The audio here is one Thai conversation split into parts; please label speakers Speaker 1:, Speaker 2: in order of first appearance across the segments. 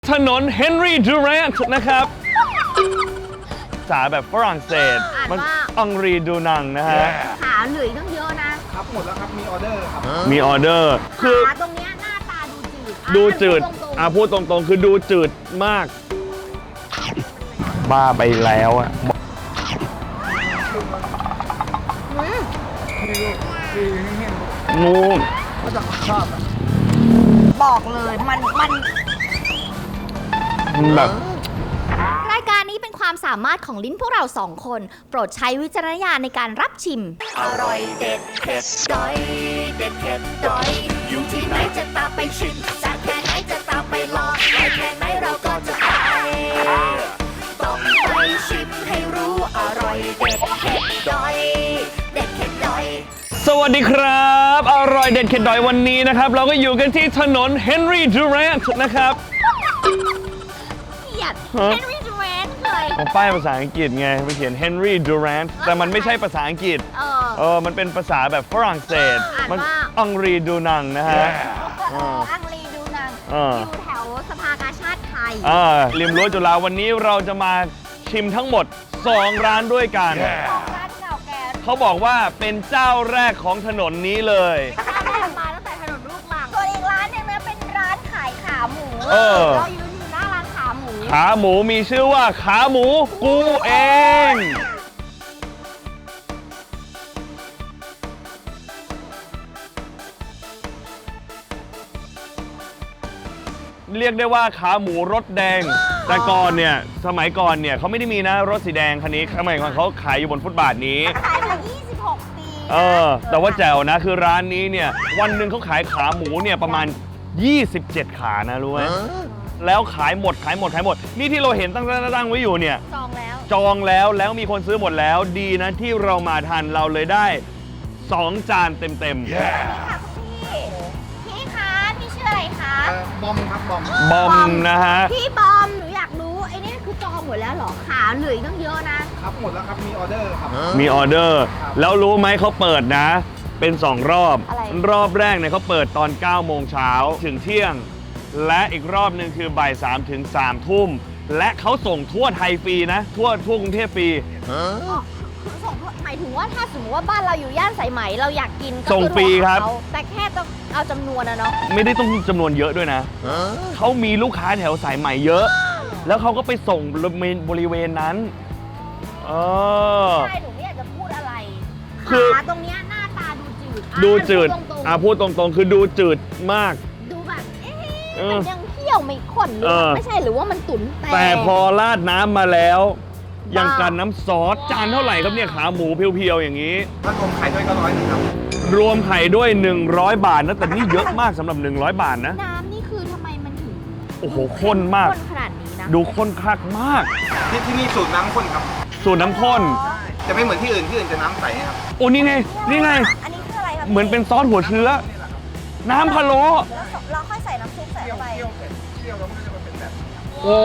Speaker 1: ถนนเฮนรี่ดูแรนต์นะครับภาษาแบบฝรั่งเศสมันอังรีดูนังนะฮะ
Speaker 2: ขาเหลือต้องเยอะนะครับ
Speaker 3: หมดแล้วครับมีออเดอร์ครับ
Speaker 1: มีออเดอร์
Speaker 2: คือขาตรงเนี้ยหน้าตา
Speaker 1: ดูจืดพูดตรงๆคือดูจืดมากบ้าไปแล้วอะงู
Speaker 2: บอกเลยมัน
Speaker 1: แบบ
Speaker 2: รายการนี้เป็นความสามารถของลิ้นพวกเราสองคน โปรดใช้วิจารณญาณในการรับชิมอร่อยเด็ดเผ็ดดอยเด็ดเผ็ดดอยอยู่ที่ไหนจะตามไปชิมจากแค่ไหนจะตามไปลองไปแค่ไหนเราก็จะไปต้องไปชิมให้รู้อร่อยเด็ดเผ็ดดอยเด็ดเผ็ดดอย
Speaker 1: สวัสดีครับอร่อยเด็ดเข็ดดอยวันนี้นะครับเราก็อยู่กันที่ถนนเฮนรี่ดูแรนต์นะครับ
Speaker 2: เกลียดเฮนรี่ดูแรนต์เลย
Speaker 1: ของป้ายภาษาอังกฤษไงไปเขียนเฮนรี่ดูแรนต์แต่มันไม่ใช่ภาษาอังกฤษมันเป็นภาษาแบบฝรั่งเศสมันอังรีดูนังนะฮะ
Speaker 2: อังรีดูนังอยู่แถวสภากาชาติไทย
Speaker 1: ริมรั้วจุฬาวันนี้เราจะมาชิมทั้งหมด2ร้านด้วยกันเขาบอกว่าเป็นเจ้าแรกของถนนนี้เลย
Speaker 2: เจ้าแรกมาตั้งแต่ถนนลูกรังส่วนอีกร้านนึงนะเป็นร้านขายขาหมูเรายืนอยู่หน้าร้านขาหมู
Speaker 1: มีชื่อว่าขาหมูกูเอง เรียกได้ว่าขาหมูรสแดงแต่ก่อนเนี่ยสมัยก่อนเนี่ยเขาไม่ได้มีนะรถสีแดงคันนี้สมัยก่อนเขาขายอยู่บนฟุตบาทนี้
Speaker 2: ขายมา26 ปี
Speaker 1: แต่ว่าแจ๋วนะคือร้านนี้เนี่ยวันหนึ่งเขาขายขาหมูเนี่ยประมาณ27ขานะรู้ไหมแล้วขายหมดนี่ที่เราเห็นตั้งไว้อยู่เนี่ยจองแล้วมีคนซื้อหมดแล้วดีนะที่เรามาทันเราเลยได้2จานเต็มๆ
Speaker 2: พี่คะพี่ชื่ออะไรคะ
Speaker 3: บอมครับ
Speaker 1: บอมนะฮะ
Speaker 2: พี่บอมหนูอยากรู้ไอ้นี่คือจองหมดแล้วเหรอขาเหลือต้องเยอะนะครับ
Speaker 3: หมดแล้วครับมีออเดอร์ครับ
Speaker 1: มีออเดอร์แล้วรู้ไหมเขาเปิดนะเป็น2รอบรอบแรกเนี่ยเขาเปิดตอน9 โมงเช้าถึงเที่ยงและอีกรอบหนึ่งคือบ่าย3 ถึง 3 ทุ่มและเขาส่งทั่วไทยฟรีนะทั่วกรุงเทพฟรี
Speaker 2: ส่งหมายถึงว่าถ้าสมมติว่าบ้านเราอยู่ย่านสายไหมเราอยากกินก็
Speaker 1: ส่งฟรีครับ
Speaker 2: แต่แค่ต้องเอาจำนวนนะเนาะ
Speaker 1: ไม่ได้ต้องจำนวนเยอะด้วยนะเขามีลูกค้าแถวสายไหมเยอะแล้วเขาก็ไปส่งบริเวณนั้น
Speaker 2: ใช่หนูไม่อยากจะพูดอะไรขาตรงเนี้ยหน้าตา
Speaker 1: ดูจืดพูดตรงๆคือดูจืดมาก
Speaker 2: ดูแบบมันยังเคี่ยวไม่ข้นหรือไม่ใช่หรือว่ามันตุ๋น
Speaker 1: แต่พอราดน้ำมาแล้วยังกันน้ำซอสจานเท่าไหร่ครับเนี่ยขาหมูเพียวๆอย่างนี้
Speaker 3: ถ้ารวมไข่ด้วยก็100ครับ
Speaker 1: รวมไข่ด้วย100 บาทนะแต่นี่เยอะมากสำหรับ100 บาทนะ
Speaker 2: น้ำนี่คือทำไมมันถึง
Speaker 1: โอ้โหข้นมาก
Speaker 2: ขนาดนี้นะ
Speaker 1: ดูข้นคักมาก
Speaker 3: ที่นี่สูตรน้ำข้นครับ
Speaker 1: สูตรน้ำข้น
Speaker 3: จะไม่เหมือนที่อื่นจะน้ำใสครับ
Speaker 1: โอ้นี่ไง
Speaker 2: อันนี้คืออะไรครับ
Speaker 1: เหมือนเป็นซอสหัวเชื้อน้ำพะโล้
Speaker 2: เราค่อยใส่น้ำซุปใส่เข้าไป
Speaker 3: เคี่ยวแล้วมันจะเป็นแบบ
Speaker 1: โอ้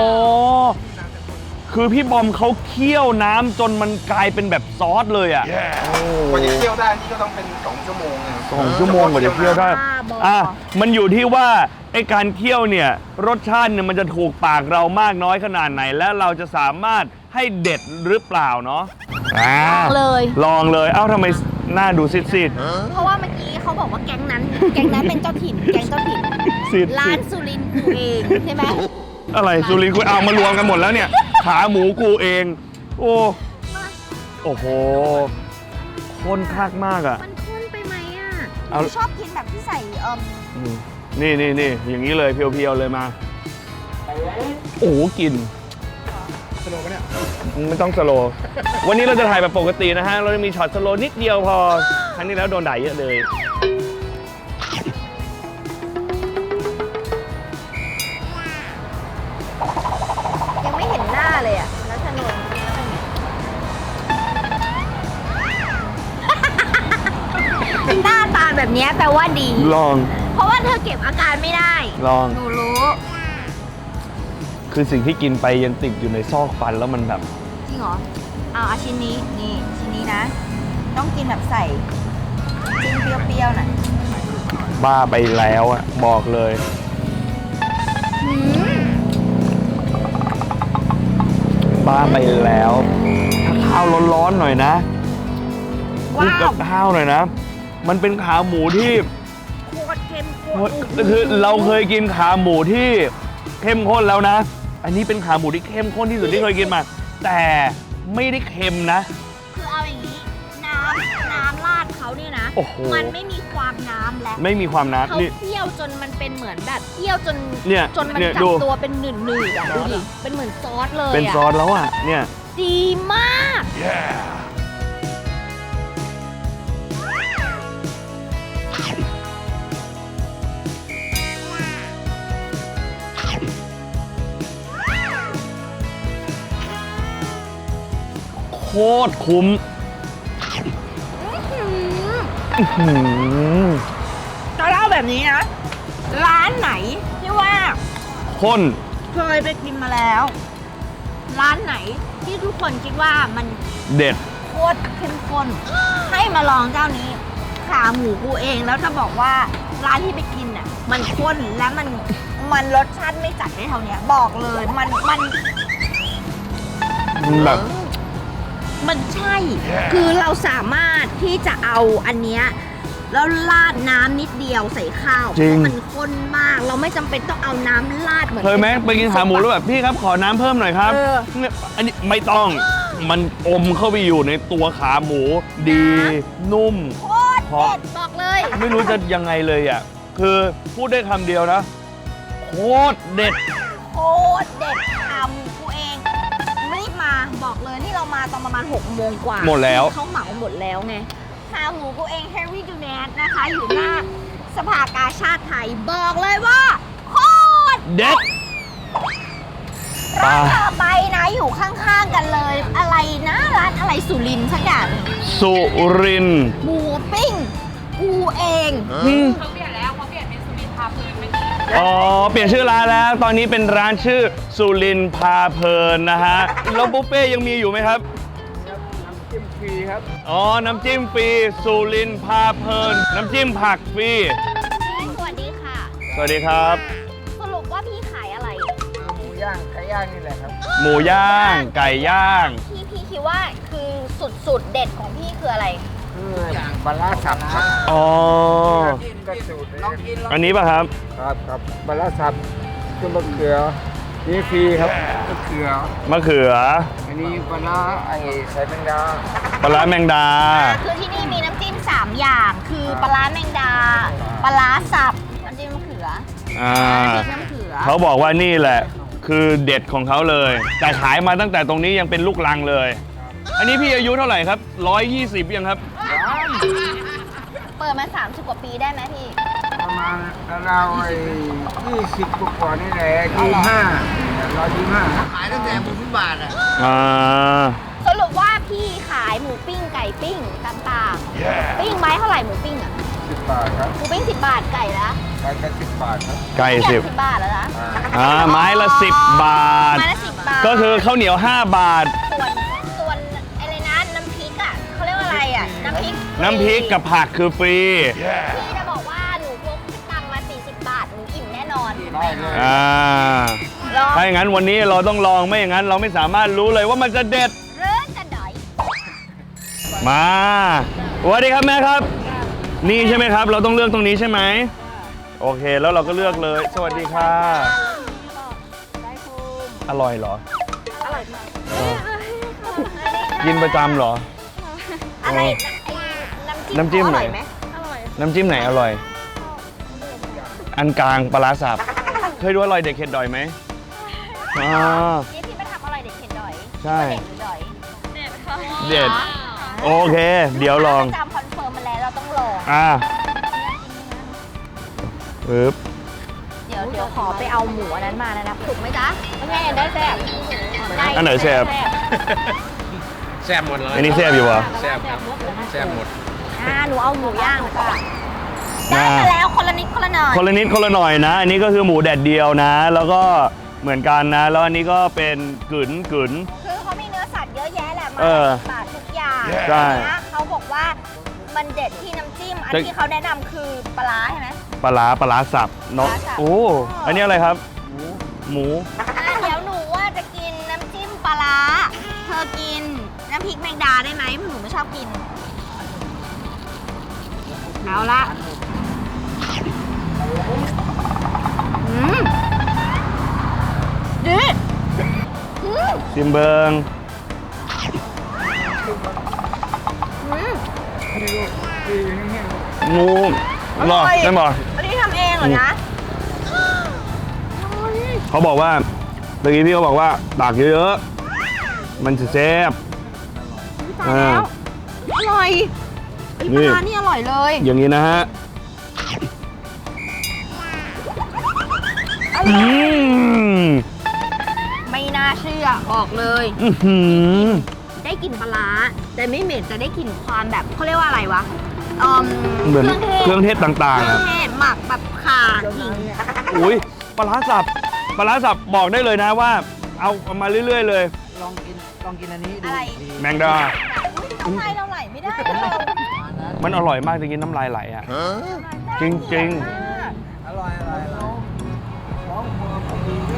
Speaker 1: คือพี่บอมเขาเคี่ยวน้ำจนมันกลายเป็นแบบซอสเลยอ่ะ
Speaker 3: กว่าจะเคี่ยวได้นี่ก็ต้องเป็น2 ชั่วโมง
Speaker 1: 2 ชั่วโมงกว่าจะเคี่ยวได้มันอยู่ที่ว่าไอ้การเคี่ยวเนี่ยรสชาติเนี่ยมันจะถูกปากเรามากน้อยขนาดไหนและเราจะสามารถให้เด็ดหรือเปล่าเนาะลองเลยเอ้าทำไมหน้าดูซีด
Speaker 2: เพราะว่าเมื่อกี้เขาบอกว่าแก๊งนั้นเป็นเจ้าถิ่นร้านสุรินทร์กูเองใช่ไหม
Speaker 1: อะไรสุรินทร์กูเอามารวมกันหมดแล้วเนี่ยขาหมูกูเองโอ้โหข้นคักมากอ่ะ
Speaker 2: มันข้นไปไหมอ่ะชอบกินแบบที่ใส่
Speaker 1: นี่อย่างนี้เลยเพียวๆเลยมาโอ้กิน
Speaker 3: สโลว์ปะเนี่ย
Speaker 1: ไม่ต้องสโลว์วันนี้เราจะถ่ายแบบปกตินะฮะเราจะมีช็อตสโลว์นิดเดียวพอครั้งนี้แล้วโดนด่าเยอะเลย
Speaker 2: ยังไม่เห็นหน้าเลยอ่ะแล้วถนนหน้าตาแบบนี้แปลว่าดี
Speaker 1: ลอง
Speaker 2: เพราะว่าเธอเก็บอาการไม่ได้
Speaker 1: ลอง
Speaker 2: หนูรู้
Speaker 1: คือสิ่งที่กินไปยังติดอยู่ในซอกฟันแล้วมันแบบ
Speaker 2: จริงเหรอเอาชิ้นนี้ชิ้นนี้นะต้องกินแบบใส่จิ้มเปรี้ยวๆหน่อย
Speaker 1: บ้าไปแล้วอ่ะบอกเลยว่าไปแล้วถ้าข้าวร้อนๆหน่อยนะคลุกกับข้าวหน่อยนะมันเป็นขาหมูที่
Speaker 2: โคตรเข้มข้น
Speaker 1: คือเราเคยกินขาหมูที่เข้มข้นแล้วนะ อันนี้เป็นขาหมูที่เข้มข้นที่สุดที่เคยกินมา แต่ไม่ได้เค็มนะ
Speaker 2: คือเอาอย่างนี้น้ำราดเขาเนี่ยนะ
Speaker 1: โอ้โห
Speaker 2: มันไม่มีความน้ำแล้ว
Speaker 1: ไม่มีความน้ำ
Speaker 2: เขา
Speaker 1: นี่
Speaker 2: เคี่ยวจนมันเป็นเหมือนแบบเคี่ยวจน
Speaker 1: เนี่ย
Speaker 2: จนมัน
Speaker 1: เนี่ย
Speaker 2: จับ
Speaker 1: ดู
Speaker 2: ตัวเป็นหนืดๆอ่ะดูดิเป็นเหมือนซอสเลย
Speaker 1: เป็นซอ
Speaker 2: อ่ะ
Speaker 1: สแล้วอ่ะเนี่ย
Speaker 2: ดีมาก
Speaker 1: โคตรคุ้มอื้อหือ
Speaker 4: จะเล่าแบบนี้นะ ร้านไหนที่ว่า
Speaker 1: ข้น
Speaker 4: เคยไปกินมาแล้ว ร้านไหนที่ทุกคนคิดว่ามัน
Speaker 1: เด็ด
Speaker 4: โคตรเข้มข้น ให้มาลองเจ้านี้ ขาหมูกูเองแล้วจะบอกว่าร้านที่ไปกินน่ะมันข้นและมันรสชาติไม่จัดได้เท่าเนี้ยบอกเลย
Speaker 1: แบบ
Speaker 4: มันใช่ คือเราสามารถที่จะเอาอันเนี้ยแล้วราดน้ำนิดเดียวใส่ข้าวเพ
Speaker 1: จริง
Speaker 4: ราะมันข้นมาก เราไม่จำเป็นต้องเอาน้ำราดเหมือน
Speaker 1: เคยไหมไปกินขาหมูแล้วแบบพี่ครับขอน้ำเพิ่มหน่อยครับ
Speaker 4: เออ
Speaker 1: เนี่ยอันนี้ไม่ต้องมันอมเข้าไปอยู่ในตัวขาหมูดี นุ่ม
Speaker 2: โคตรเด็ดบอกเลย
Speaker 1: ไม่รู้จะยังไงเลยอ่ะ คือพูดได้คำเดียวนะ โคตรเด็ด
Speaker 4: โคตรเด็ดขาหมูกูเองรีบมาบอกเลยนี่เรามาตอนประมาณ6 โมงกว่า
Speaker 1: หมดแล้ว
Speaker 4: เขาเหมาหมดแล้วไงขาหมูกูเองแฮร์รี่ดูแนทนะคะ อยู่หน้าสภากาชาติไทยบอกเลยว่าโคตร
Speaker 1: เด็ด
Speaker 4: ร้านต่อไปนะอยู่ข้างๆกันเลย อะไรนะร้านอะไรสุรินทร์สักอย่าง
Speaker 1: สุรินทร์
Speaker 4: หมูปิ้งกูเอง
Speaker 1: อ๋อ เปลี่ยนชื่อร้านแล้ว ตอนนี้เป็นร้านชื่อสุรินทร์พาเพลินนะฮะ แล้วบุฟเฟ่ยังมีอยู่ไหมครับ
Speaker 3: น้ำจิ้มฟรีครับ
Speaker 1: อ๋อ น้ำจิ้มฟรีสุรินทร์พาเพลิน น้ำจิ้มผักฟรี
Speaker 2: พี่สวัสดีค่ะ
Speaker 1: สวัสดีครับ
Speaker 2: สรุปว่าพี่ขายอะไร
Speaker 3: หมูย่างไก่ย่างนี่แหละครับ
Speaker 1: หมูย่าง ไก่ย่าง
Speaker 2: พี่คิดว่าคือสุดเด็ดของพี่คืออะไร
Speaker 3: คือปลาร้าสับครับ
Speaker 1: อ๋อ
Speaker 3: กระสูตรลองกิน
Speaker 1: อันนี้ป่ะครับ
Speaker 3: ครับปลาร้าสับคือมะเขือนี่ฟรีครับมะเขือ
Speaker 1: มะเขือ
Speaker 3: อันนี้ปลาร้าไอ้ใส่แมงดา
Speaker 1: ปลาร้าแมงดา
Speaker 2: คือที่นี่มีน้ำจิ้ม3 อย่าง คือปลาร้าแมงดา ปลาร้าสับ น้ำจิ้มมะเขือ
Speaker 1: อ่า
Speaker 2: พริกน้ำเขือ
Speaker 1: เขาบอกว่านี่แหละ คือเด็ดของเขาเลย แต่ขายมาตั้งแต่ตรงนี้ยังเป็นลูกลังเลย อันนี้พี่อายุเท่าไหร่ครับ 120ยังครับ
Speaker 2: เปิดมา30 กว่าปีได้ไหมพี่
Speaker 3: ประมาณเราวๆไอ้20 กว่าๆนี่แหละ125ขายตั้งแต่หมูฟุตบาทอ่ะ
Speaker 1: อ่า
Speaker 2: สรุปว่าพี่ขายหมูปิ้งไก่ปิ้งต่างๆ ปิ้งไม้เท่าไหร่หมูปิ้งอ่ะ
Speaker 3: 10 บาทครับ
Speaker 2: หมูปิ้ง10 บาทไก่ละ
Speaker 3: ไก่ก็10 บาทครับ
Speaker 1: ไก่
Speaker 2: เกื
Speaker 1: สิ
Speaker 2: อ
Speaker 1: บบ
Speaker 2: 10 บาทแล้วนะ
Speaker 1: ไม้ละ 10 บาท
Speaker 2: ไม้ละ10 บาท
Speaker 1: ก็คือข้าวเหนียว 5 บาท
Speaker 2: ส่วนอะไรนะน้ำพริกอ่ะเขาเรียกว่าอะไรอ่ะ น้ำพริก
Speaker 1: น้ำพริกกับผักคือฟรี
Speaker 2: พี่จะบอกว่าหนูพกตังค์มา40 บาทหนูอิ่มแน่นอน
Speaker 3: ได้เลย
Speaker 1: อ่า
Speaker 2: ลอง
Speaker 1: ถ้าอย่างนั้นวันนี้เราต้องลองไม่อย่างนั้นเราไม่สามารถรู้เลยว่ามันจะเด็ด
Speaker 2: เริ่มจะดอย
Speaker 1: มาสวัสดีครับแม่ครับ นี่ใช่ไหมครับ เราต้องเลือกตรงนี้ใช่ไหมโอเคแล้วเราก็เลือกเลย สวัสดีค่ะ อร่อยเหรอ
Speaker 2: อร่อยมาก
Speaker 1: กินประจำเหรอ
Speaker 2: อะไรไอ้
Speaker 1: น้ำจิ้ม
Speaker 2: อ
Speaker 1: ไหน
Speaker 2: ร่อยไหมอร่อย
Speaker 1: น้ำจิ้มไหนอร่อย อันกลางปลาร้าสับ เคยดูอร่อยเด็ดเข็ดดอยไหมอ่า
Speaker 2: นี่พี่ไปทำอร่อยเด็ดเข็ดดอย
Speaker 1: ใช่
Speaker 2: เด็ดหรือดอยเด็ดค่ะ
Speaker 1: เด็ด โอเค เดี๋ยวลอง
Speaker 2: จำคอนเฟิร์มมาแล้วเราต้องลอง
Speaker 1: อ่าปึ๊บ
Speaker 2: เดี๋ยวขอไปเอาหมูอันนั้นมานะถูกไหมจ๊ะไม่ใช่ได้แซ่บด้
Speaker 1: อันไหนแซ่บ
Speaker 3: แซ่บหมดเลย
Speaker 1: อันนี้แซ่บอยู่วะ
Speaker 3: แซ่บครับแซ่บหมด
Speaker 2: หนูเอาหมูย่างค่ะ
Speaker 1: อ่า
Speaker 2: ได้มาแล้วคนละนิดคนละหน่อย
Speaker 1: คนละนิดคนละหน่อยนะ อันนี้ก็คือหมูแดดเดียวนะ แล้วก็เหมือนกันนะ แล้วอันนี้ก็เป็นกึ๋น
Speaker 2: คือเขามีเนื้อสัตว์เยอะแยะแหละมา
Speaker 1: เออ
Speaker 2: 10 บาททุกอย่าง
Speaker 1: ใช่
Speaker 2: นะเขาบอกว่ามันเด็ดที่น้ำจิ้ม อัน
Speaker 1: แต่
Speaker 2: ที่เขาแนะนำคือปลาร้าใช่ไหม
Speaker 1: ปลาร้าสับเนาะ
Speaker 2: ปลาร้าสับ
Speaker 1: โอ้ อันนี้อะไรครับ หมู
Speaker 2: เดี๋ยวหนูว่าจะกินน้ำจิ้มปลาร้า
Speaker 4: กินน้ำพริกแมงดาได้ไหมเพราะหนูไม่ชอบกินเอาละดี
Speaker 1: ซิมเบิง
Speaker 3: ที่แห้ง
Speaker 1: งูหรอใช่ไหม
Speaker 4: อันนี้ทำเองเหรอนะ
Speaker 1: เขาบอกว่าเมื่อกี้พี่เขาบอกว่าตักเยอะๆมันจะแซ่บ
Speaker 4: ตายแล้วอร่อยไอ้ปลาร้านี่อร่อยเลย
Speaker 1: อย่างนี้นะฮะ
Speaker 4: อร่อยไม่น่าเชื่อบอกเลย
Speaker 1: อื้อหือ
Speaker 4: ได้กลิ่นปลาร้าแต่ไม่เหม็นแต่ได้กลิ่นความแบบเขาเรียกว่าอะไรวะ
Speaker 1: เหมือนเครื่องเทศต่าง
Speaker 4: เค
Speaker 1: ๆ
Speaker 4: รื่อ
Speaker 1: อะ
Speaker 4: งเทศหมักแบบข่าขิง
Speaker 1: อุ้ยปลาร้าสับปลาร้าสับบอกได้เลยนะว่า เอามาเรื่อยๆเลย
Speaker 3: ลองกินอันนี้ดู
Speaker 4: อะไร
Speaker 1: แมงดา
Speaker 4: น้ำลายเราไหลไม่ได้เรา
Speaker 1: มันอร่อยมากจริงๆน้ำลายไหลอ่ะ จริง
Speaker 3: อร่อยของผมดีเนี่ย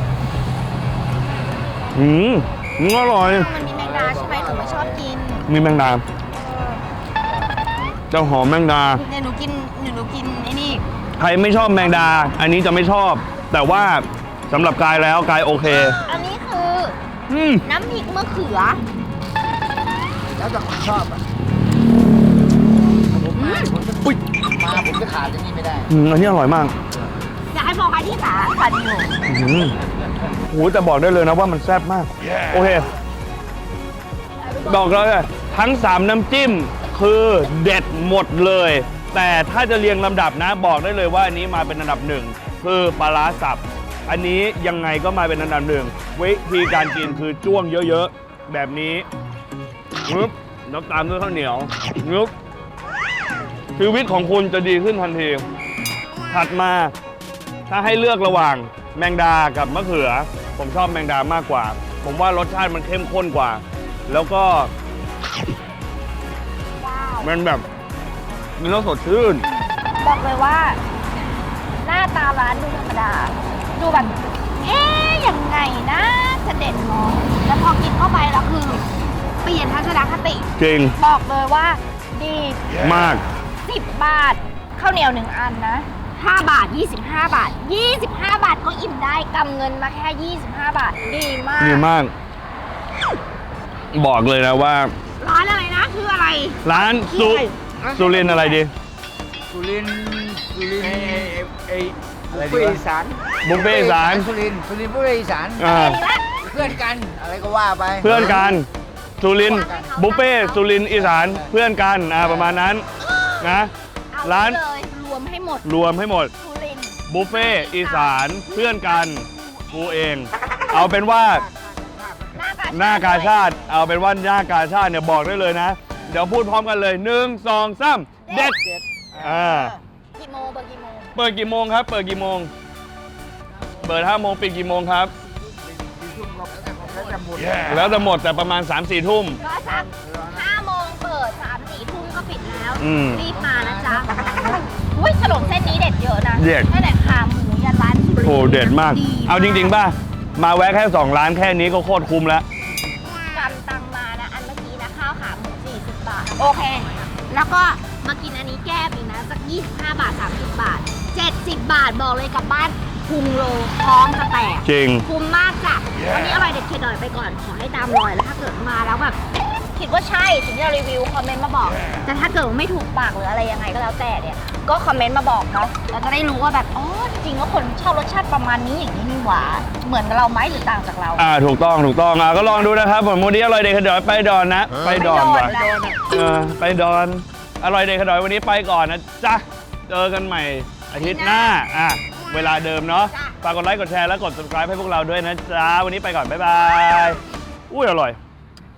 Speaker 1: อร่อย
Speaker 4: มันมีแมงดาใช่ไหมหนูไม่ชอบกิน
Speaker 1: มีแมงดาเจ้าหอมแมงดา
Speaker 4: เนี่ยหนูกินไอ้นี่
Speaker 1: ใครไม่ชอบแมงดา อันนี้จะไม่ชอบ แต่ว่าสำหรับกายแล้วกายโอเค
Speaker 4: อันนี้คือ
Speaker 1: อืม
Speaker 4: น้ำพริกมะเขือ
Speaker 3: แล้วแต่คนชอบอ่ะผมจะขาดอย่างนี้ไม่ได้
Speaker 1: อันนี้อร่อยมาก
Speaker 4: อยากให้บอกใครที่ขาขาดอยู่
Speaker 1: โอ้โหแต่บอกได้เลยนะว่ามันแซ่บมาก โอเค บอกเลยทั้ง 3 น้ำจิ้มคือเด็ดหมดเลย แต่ถ้าจะเรียงลำดับนะ บอกได้เลยว่าอันนี้มาเป็นอันดับหนึ่งคือปลาร้าสับ อันนี้ยังไงก็มาเป็นอันดับหนึ่งวิธีการกินคือจ้วงเยอะๆ แบบนี้งึบแล้วตามด้วยข้าวเหนียวงึบชีวิตของคุณจะดีขึ้นทันที ถัดมาถ้าให้เลือกระหว่างแมงดากับมะเขือ ผมชอบแมงดามากกว่า ผมว่ารสชาติมันเข้มข้นกว่า แล้วก็
Speaker 4: ว้าว
Speaker 1: มันแบบมันต้องสดชื่น
Speaker 4: บอกเลยว่า หน้าตาร้านดูธรรมดา ดูแบบ ยังไงนะจะเด่นมองแล้วพอกินเข้าไปแล้วคือ เปลี่ยนทัศนคติ
Speaker 1: จริง
Speaker 4: บอกเลยว่า ดี
Speaker 1: มาก
Speaker 4: 10 บาทข้าวเหนียว1อันนะ5 บาท 25 บาท 25 บาทก็อิ่มได้กำเงินมาแค่ 25 บาท ดีมาก
Speaker 1: ดีมาก บอกเลยนะว่า
Speaker 4: ร้านอะไรนะคืออะไร
Speaker 1: ร้านสุรินทร์อะไรดี
Speaker 3: สุรินทร์ไอ้บุฟเฟ่อีสาน
Speaker 1: บุฟเฟ่ต์อีสาน
Speaker 3: สุรินทร์บุฟเฟ่อีสาน
Speaker 1: อ่า
Speaker 3: เพื่อนกันอะไรก็ว่าไป
Speaker 1: เพื่อนกันสุรินทร์บุฟเฟ่ต์สุรินทร์อีสานเพื่อนกันประมาณนั้นนะ
Speaker 4: เอา
Speaker 1: ร้าน
Speaker 4: เลยรวมให้หมด
Speaker 1: รวมให้หมด
Speaker 4: สุรินทร์
Speaker 1: บุฟเฟ่ต์อีสานเพื่อนกันกูเอง เอาเป็นว่าหน้ากาชาติ เอาเป็นว่าหน้ากาชาติเนี่ยบอกได้เลยนะ เดี๋ยวพูดพร้อมกันเลย1 2 3เด็ด
Speaker 4: กี่โมงเปิดกี่โมง
Speaker 1: เปิดกี่โมงครับ เปิดกี่โมง เปิด5 โมงปิดกี่โมงครับ แล้วจะหมดแต่ประมาณ 3-4 ทุ่ม
Speaker 4: ก็สัก5 โมงเปิด 3-4 ทุ่มก็ปิดแล้ว
Speaker 1: อืม
Speaker 4: รีบมานะจ๊ะอุ้ยขนมเส้นนี้เด็ดเยอะนะ
Speaker 1: เด็ด
Speaker 4: ตั้งแต่ขาหมูยันร้านสุรินทร์
Speaker 1: โอ้เด็ดมาก เอาจริงๆป่ะ มาแวะแค่ 2 ร้านแค่นี้ก็โคตรคุ้มแล้ว
Speaker 4: กำตังมานะ อันเมื่อกี้นะข้าวขาหมู40 บาท โอเค แล้วก็มากินอันนี้แก้มอีกนะสัก25 บาท 30 บาท 70 บาทบอกเลยกลับบ้านพุงโลท้องจะแตก
Speaker 1: จริง
Speaker 4: คุ้มมากจ้ะวันนี้อร่อยเด็ดเข็ดดอยไปก่อน ขอให้ตามรอยแล้วถ้าเกิดมาแล้วแบบคิดว่าใช่ถึงที่เรารีวิวคอมเมนต์มาบอก แต่ถ้าเกิดว่าไม่ถูกปากหรืออะไรยังไงก็แล้วแต่เนี่ย ก็คอมเมนต์มาบอกเนาะเราจะได้รู้ว่าแบบอ๋อจริงๆแล้วคนชอบรสชาติประมาณนี้อย่างนี้นี่หว่าเหมือนกับเราไหมหรือต่างจากเรา
Speaker 1: ถูกต้องก็ลองดูนะครับผมวันนี้อร่อยเด็ดขดอยไปดอนนะ ไปดอนว่ะ ไปดอน อร่อยเด็ดขดอยวันนี้ไปก่อนนะจ๊ะ เจอกันใหม่อาทิตย์หน้า เวลาเดิมเนาะ ฝากกดไลค์ กดแชร์ และกด subscribe ให้พวกเราด้วยนะจ๊ะ วันนี้ไปก่อน บ๊ายบาย อุ้ยอร่อย